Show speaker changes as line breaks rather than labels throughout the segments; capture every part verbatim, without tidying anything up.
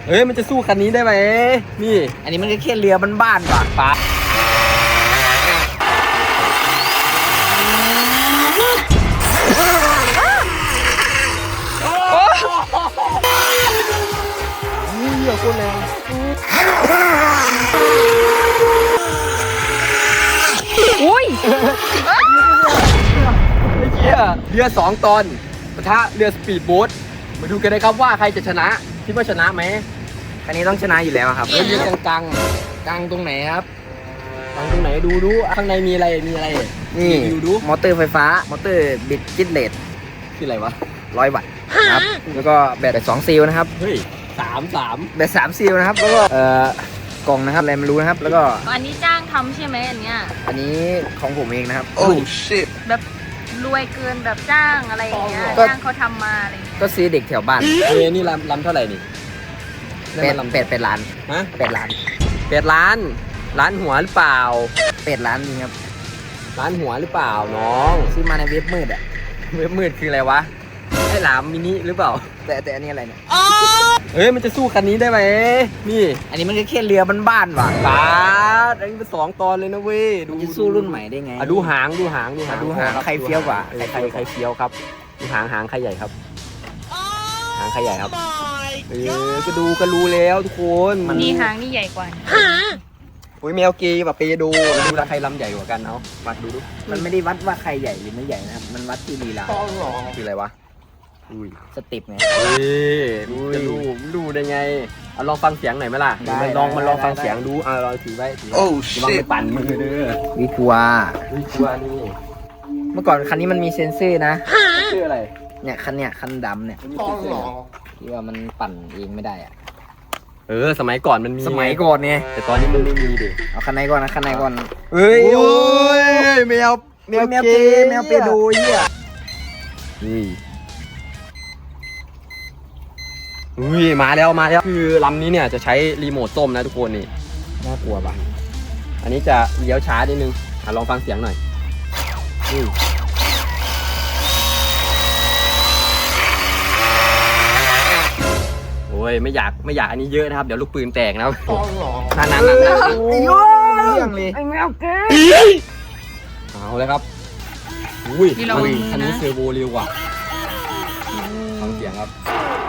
เอ้ยมันจะสู้คันนี้ได้ไหมนี่
อันนี้มันก็แค่เรือบ้านๆว่ะป้า
เรือโคตรแรง
อุ้ย
ไอ้เหี้ยเรือสองตอนปะทะเรือสปีดโบ๊ทมาดูกันนะครับว่าใครจะชนะคิดว่าชนะไหม
คันนี้ต้องชนะอยู่แล้วครับ
เรือยังกลางกลางตรงไหนครับกลางตรงไหนดูดูข้างในมีอะไรมีอะไร
นี่
ดูดู
มอเตอร์ไฟฟ้ามอเตอร์บิดจิตเลส
คืออะไรวะ
ร้อยวัตต์ครับแล้วก็แบตสองซีลนะครับ
เฮ้ยสามสาม
แบตสามซีลนะครับแล้วก็เอ่อกล่องนะครับอะไรไม่รู้นะครับแล้วก็
อันนี้จ้างทำใช่ไหมอันเนี้ย
อันนี้ของผมเองนะครับ
โอ้ชิต
แบบรวยเกินแบบจ้างอะไรอย่างเงี้ย
ก็
จ้างเขาทำมาอะไรอย่างเงี้ย
ก็ซื้อเด็กแถวบ้าน
เฮ้ยนี่ลำลำเท่าไหร่นี่
เป็ดเป็ดเป็ดล้าน
ฮะ
เป็ดล้าน
เป็ดล้านล้านหัวหรือเปล่า
เป็ดล้านจริงครับ
ล้านหัวหรือเปล่าน้อง
ซื้อมาในเว็บมืดอ่ะ
เว็บมืดคืออะไรวะไอ้หลามมินิหรือเปล่า
แต่แต่อันนี้อะไรเนี่ย
เฮ้ยมันจะสู้คันนี้ได้ไหมนี่
อันนี้มันก็แค่เรือบ้านๆว่ะ
ปาดอันนี้เป็นสองตอนเลยนะเว้ย
มันจะสู้รุ่นใหม่ได้ไง
อ่ะดูหางดูหางดูหาง
ดูหาง
ครับ
ใครเฟี้ยวกว่า
เออใครใครเฟี้ยวครับดูหางหางใครใหญ่ครับหางใครใหญ่ครับเออก็ดูก็รู้แล้วทุกคนมัน
นี่หางนี่ใหญ่กว่า
อุ้ยแมวเกย์แบบเปดูดูราใครลำใหญ่กว่ากันเอาวัดดูดู
มันไม่ได้วัดว่าใครใหญ่หรือไม่ใหญ่นะครับมันวัดที่ลีลา
คืออะไรวะอุ้ย
สเติปไง
เฮ้ยจะรู้รู้ได้ไงเอาลองฟังเสียงหน่อยไหมล่ะ
ได้
มันลองมันลอง
ได้
ฟัง
ได้
เสียงดูอ่ะลองถือไว้ถือไว้ระวังไปปั่นมือเด้อ
วิทัวร์
อุ้ยกลัวนี่
เมื่อก่อนคันนี้มันมีเซ็นเซอร์นะ
ชื่ออะไร
เนี่ยคันเนี่ยคันดำเนี่ย
มันมีเซ็นเซอร์เหรอ
ที่ว่ามันปั่นเองไม่ได้อะ
เออสมัยก่อนมันมี
สมัยก่อนเนี่ย
แต่ตอนนี้มันไม่มีดิ
เอาคันไหนก่อนนะคันไหนก่อน
เฮ้ย
โอ้ย
แมว
แมวเกย์แมวเปโดเหี้ย
นี่อุ้ยมาแล้วมาแล้วคือลำนี้เนี่ยจะใช้รีโมทส้มนะทุกคนนี่น่ากลัวปะอันนี้จะเลี้ยวช้านิดนึงอ่ะลองฟังเสียงหน่อยนี่โอ้ยไม่อยากไม่อยากอันนี้เยอะนะครับเดี๋ยวลูกปืนแตกนะครับนั่นนั่นนั่นนั่น
โอ้ยเรื่องเลย
ไอ้แมวเก๋
เอาเลยครับอุ้ย
นี่เรา
อุ้ย
นะ
คันนี้เซอร์โวเร็วกว่าฟังเสียงครับ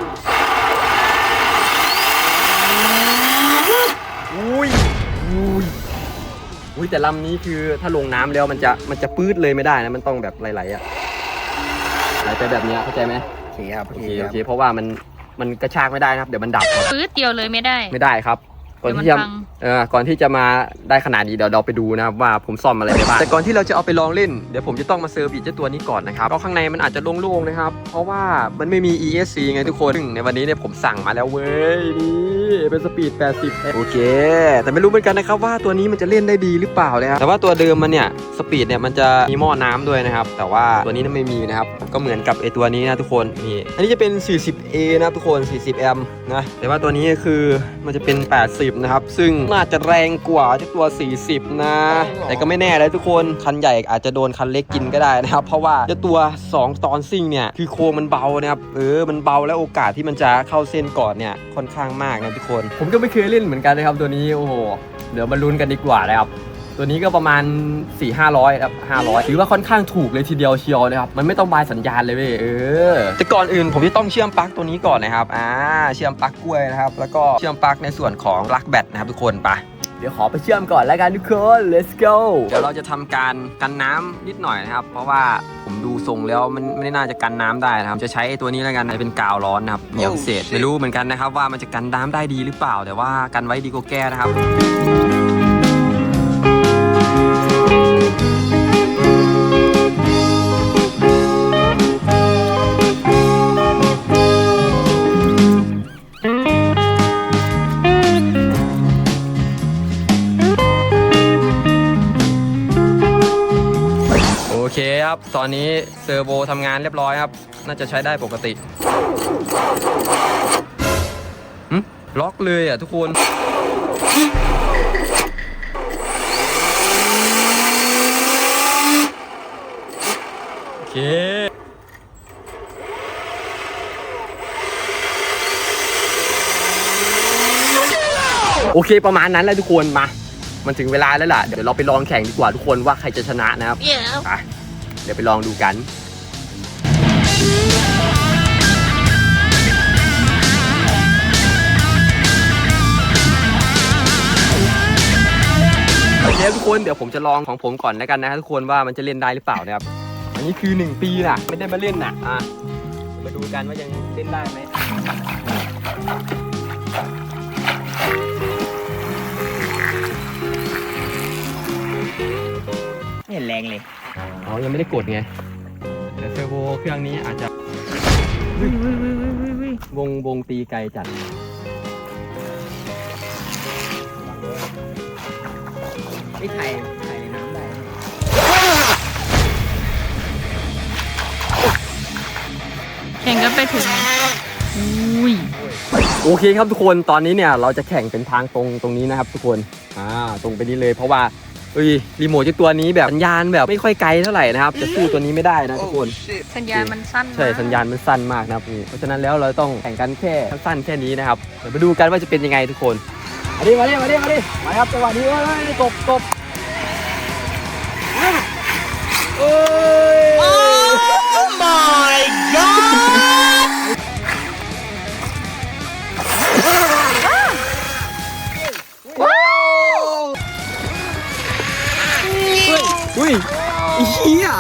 อุ้ยอุ้ยอุ้ยแต่ลำนี้คือถ้าลงน้ำแล้วมันจะมันจะปื๊ดเลยไม่ได้นะมันต้องแบบไหลๆอ่ะไหลไปแบบนี้เข้าใจไหม
โอเคครับ
โอ
โอ
เค
เค
โอ
ครับ
เคเพราะว่ามันมันกระชากไม่ได้นะครับเดี๋ยวมันดับครับ
ปื๊ดเดียวเลยไม่ได้
ไม่ได้ครับก่อนที่จะ
เดี๋ยวมันพัง
เออก่อนที่จะมาได้ขนาดนี้เดี๋ยวเราไปดูนะครับว่าผมซ่อมอะไรไปบ้างแต่ก่อนที่เราจะเอาไปลองเล่นเดี๋ยวผมจะต้องมาเซอร์วิสเจ้าตัวนี้ก่อนนะครับเพราะข้างในมันอาจจะโล่งๆนะครับเพราะว่ามันไม่มี อี เอส ซี ไงทุกคนซึ่งในวันนี้เนี่ยผมสั่งมาแล้วเว้ยนี่เป็นสปีดแปดสิบโอเคแต่ไม่รู้เหมือนกันนะครับว่าตัวนี้มันจะเล่นได้ดีหรือเปล่านะครับแต่ว่าตัวเดิมมันเนี่ยสปีดเนี่ยมันจะมีหม้อน้ำด้วยนะครับแต่ว่าตัวนี้นั้นไม่มีนะครับก็เหมือนกับไอตัวนี้นะทุกคนนี่อันนี้จะเป็น สี่สิบเอ นะครับทุกคน สี่สิบ แอมป์นะแต่ว่าตัวนี้คือมันจะเป็น แปดสิบ นะครับซึ่งน่าจะแรงกว่าเจ้าตัว สี่สิบ นะแต่ก็ไม่แน่เลยทุกคนคันใหญ่อาจจะโดนคันเล็กกินก็ได้นะครับเพราะว่าเจ้าตัวสองตอนซิ่งเนี่ยคือโครงมันเบานะครับเออมันเบาแล้วโอกาสที่มันจะเข้าเส้นก่อนเนี่ยค่อนข้างมากนะทุกคนผมก็ไม่เคยเล่นเหมือนกันนะครับตัวนี้โอ้โหเดี๋ยวมาลุ้นกันดีกว่านะครับตัวนี้ก็ประมาณ สี่ ห้าร้อยครับห้าร้อยถือว่าค่อนข้างถูกเลยทีเดียวเชียวนะครับมันไม่ต้องบายสัญญาณเลยเว้ยเออแต่ก่อนอื่นผมจะต้องเชื่อมปลั๊กตัวนี้ก่อนนะครับอ่าเชื่อมปลั๊กกล้วยนะครับแล้วก็เชื่อมปลั๊กในส่วนของปลั๊กแบตนะครับทุกคนไปเดี๋ยวขอไปเชื่อมก่อนแล้วกันทุกคน let's go เดี๋ยวเราจะทำการกันน้ำนิดหน่อยนะครับเพราะว่าผมดูทรงแล้วมันไม่น่าจะกันน้ำได้นะครับจะใช้ตัวนี้แล้วกันเป็นกาวร้อนนะครับเหนียวพิเศษไม่รู้เหมือนกันนะครับว่ามันจะกันน้ำได้ดีหรือเปล่าแต่ว่ากันไว้ดีกว่าแก้นะครับโอเคครับตอนนี้เซอร์โวทำงานเรียบร้อยครับน่าจะใช้ได้ปกติหึล็อกเลยอ่ะทุกคนโอเคโอเคประมาณนั้นแล้วทุกคนมามันถึงเวลาแล้วล่ะเดี๋ยวเราไปลองแข่งดีกว่าทุกคนว่าใครจะชนะนะครับไปเดี๋ยวไปลองดูกันโอเคทุกคนเดี๋ยวผมจะลองของผมก่อนแล้วกันนะครับทุกคนว่ามันจะเล่นได้หรือเปล่านะครับอันนี้คือหนึ่งปีน่ะไม่ได้มาเล่นน่ะอ่ะมาดูกันว่ายังเล่นได้ไหม
ไม่เห็นแรงเลย
อ๋อยังไม่ได้กดไงแต่เซอร์โวเครื่องนี้อาจจะวงวงตีไกลจัด
ไม่ไถ่ไถ่ในน้ำได้
แข่งกันไปถึงอุ้ย
โอเคครับทุกคนตอนนี้เนี่ยเราจะแข่งเป็นทางตรงตรงนี้นะครับทุกคนอ่าตรงไปนี้เลยเพราะว่าเอ้ยรีโมทที่ตัวนี้แบบสัญญาณแบบไม่ค่อยไกลเท่าไหร่นะครับจะสู้ตัวนี้ไม่ได้นะทุกคน
สัญญาณมันสั้น
ใช่สัญญาณมันสั้นมากนะครับเพราะฉะนั้นแล้วเราต้องแข่งกันแค่สั้นๆแค่นี้นะครับเดี๋ยวมาดูกันว่าจะเป็นยังไงทุกคนมาดิมาดิมาดิมาดิมาครับจังหวะนี้ว่าตบตบโอ้ย
Oh my god!
ว้าวอุ้ยเฮีย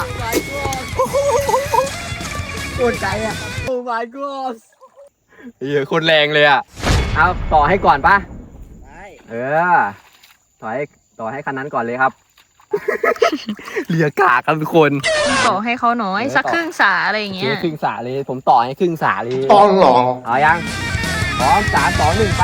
โคตรใจอ่ะ
โอ้ my god เฮียโคตรแรงเลยอ่ะเอาต่อให้ก่อนปะ
ได้
เออต่อให้ต่อให้คันนั้นก่อนเลยครับ เรียกากครับทุกคน
ต่อให้เขาหน่อยสักครึ่งสาอะไรอย่าง
เสี
เงี้
ย
ย
ครึ่งสาเลยผมต่อให้ครึ่งสาเลย
ตอนหรอ
เอายังพร้อมสามสองหนึ่งไป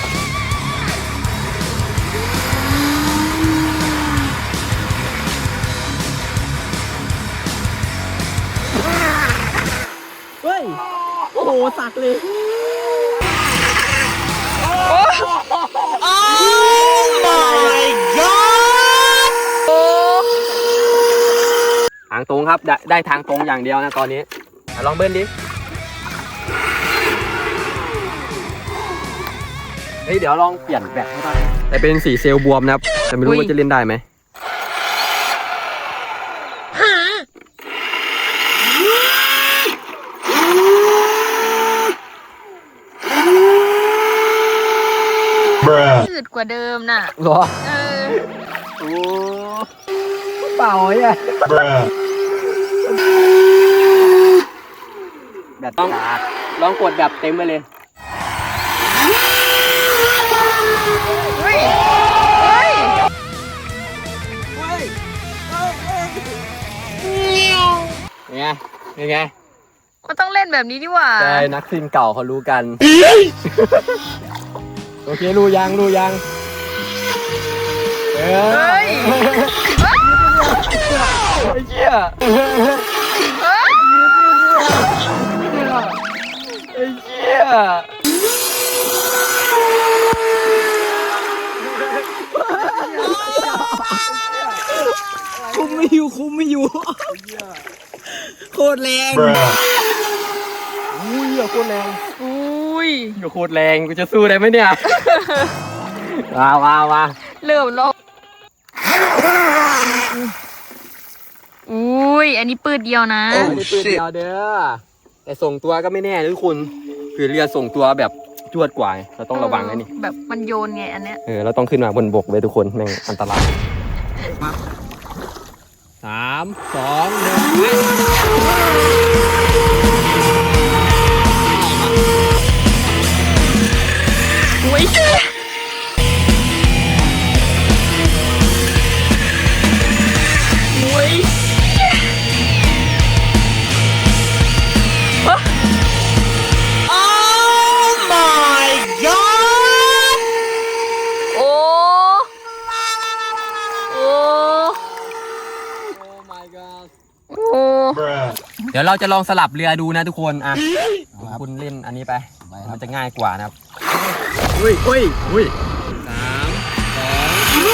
เฮ้ยโอ้โหสักเลย
Oh my god!
ทางตรงครับได้ได้ทางตรงอย่างเดียวนะตอนนี้ลองเบิ้ลดิเฮ้ยเดี๋ยวลองเปลี่ยนแบตให้ได้แต่เป็นสีเซลล์บวมนะครับแต่ไม่รู้ว่าจะเล่นได้ไหม
ยืดกว่าเดิมน่ะ
หรอ
เออ
โอ้เปล่าไอ่ะแบบต้องลองกดแบบเต็มไปเลย
เฮ้ยเฮ้ย
ไงยังไง
ก็ต้องเล่นแบบนี้ดีกว่า
ใช่นักซิ่งเก่าเขารู้กัน โอเครู้ยังรู้ยังเออ
เฮ้ย
ไอ้เหี้ย
เฮ้ย
ไอ้เหี้ย
คุมไม่อยู่คุมไม่อยู่โคตรแรง
อุ้ยโคตรแรง
อุ้ย
อยู่โคตรแรงกูจะสู้ได้ไหมเนี่ย ว้าวว้าวว้า
เริ่มลงอุ้ยอันนี้ปืดเดียวนะ
ไม่ได้ปืนเดียวเด้อแต่ส่งตัวก็ไม่แน่นะทุกคนคือเรือส่งตัวแบบจวดกว่าเราต้องระวังนะนี่
แบบมันโยนไงอันเนี้ย
เออเราต้องขึ้นมาบนบกเลยทุกคนแม่งอันตรายสามสองหนึ่ง
อุ้ยอุ้ย
Oh my god!
โอ้โอ้
my god
โอ้
เดี๋ยวเราจะลองสลับเรือดูนะทุกคนอ่ะคุณเล่นอันนี้ไปมันจะง่ายกว่านะครับอุ้ยอุ้ยอุ้ยสามสอง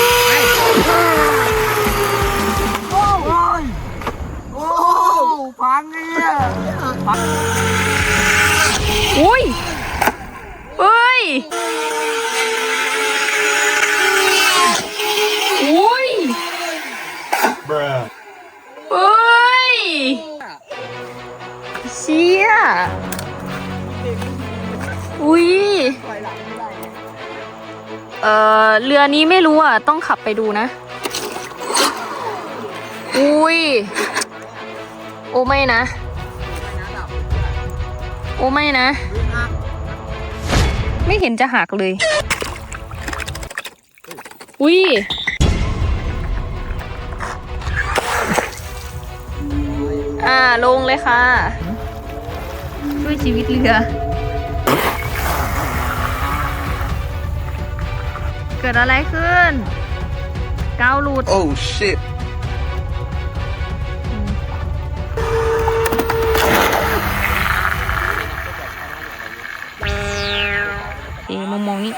โอ้ยโอ้พังเนี่ยพัง
อุ้ยเฮ้ยเออเรือนี้ไม่รู้อ่ะ ต้องขับไปดูนะ อุ้ย โอ้ไม่นะ โอ้ไม่นะ ไม่เห็นจะหักเลย อุ้ย อ่าลงเลยค่ะ ช่วยชีวิตเรือ เกิดอะไรขึ้นกาวหลุด
Oh shit
เอ๋มองมองนี่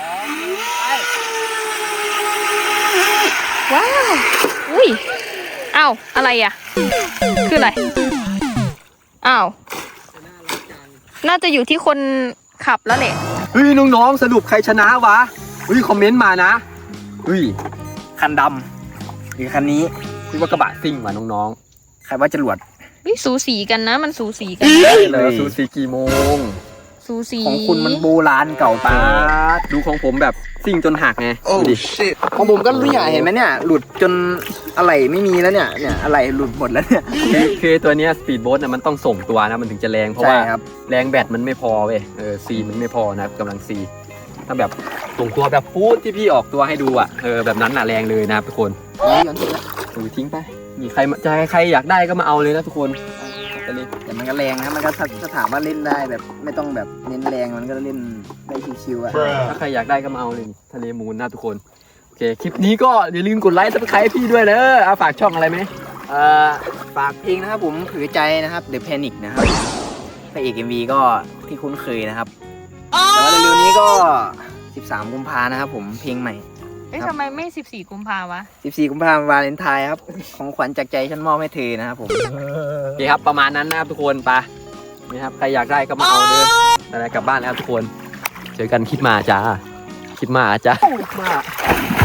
ว้าว อุ้ยอ้าวอะไรอ่ะ คืออะไรอ้าว น่าจะอยู่ที่คนขับแล้วแหละ
เฮ้ยน้องๆสรุปใครชนะวะเฮ้ยคอมเมนต์มานะเฮ้ย
คันดำหรือคันนี้
คิดว่ากระบะซิ่งว่ะน้อง
ใครว่าจรวด
วิสูสีกันนะ มันสูสีกัน
ๆเลยซูซีกี่โมง
สูสี
ของคุณมันโบราณเก่า
ป้า
ป้า
ดดูของผมแบบซิ่งจนหักไงดูดิ
ของผมก็เนี่ยเห็นไหมเนี่ยหลุดจนอะไรไม่มีแล้วเนี่ยเนี่ยอะไรหลุดหมดแล้วเนี่ย
คือคือตัวเนี้ยสปีดโบ๊ทน่ะมันต้องส่งตัวนะมันถึงจะแรงเพราะ
ใช่
ว่า
ครับ
แรงแบตมันไม่พอเว้ยเออซีมันไม่พอนะครับกำลังซีถ้าแบบส่งตัวแบบฟูดที่พี่ออกตัวให้ดูอ่ะเออแบบนั้นน่ะแรงเลยนะครับทุกคนถือทิ้งไปมีใครมาจะให้ใครอยากได้ก็มาเอาเลยนะทุกคนไปเลย
แต่มันก็แรงนะมันก็ถ้าถ้าถามว่าเล่นได้แบบไม่ต้องแบบเน้นแรงมันก็เล่นได้ชิวๆอ่ะ
ถ้าใครอยากได้ก็มาเอาเลยทะเลมูลนะทุกคนโอเคคลิปนี้ก็อย่าลืมกดไลค์ซับสไครต์ให้พี่ด้วยเด้อเอาฝากช่องอะไรไหม
เอ่อฝากเพลงนะครับผมผือใจนะครับ The Panic นะครับพระเอก เอ็ม วี ก็ที่คุ้นเคยนะครับแต่ว่าเร็วๆนี้ก็ สิบสาม กุมภานะครับผมเพลงใหม่
เอ้ยทำไมไม่สิบสี่กุมภาวะ
สิบสี่ กุมภาพันธ์วาเลนไทน์ครับของขวัญจากใจฉันมอบให้เธอนะครับผม
โอเคครับประมาณนั้นนะครับทุกคนไปนี่ครับใครอยากได้ก็มาเอาเด้ออะไรกลับบ้านแล้วทุกคนเจอกันคลิปมาจ้าคลิปมาจ้ามา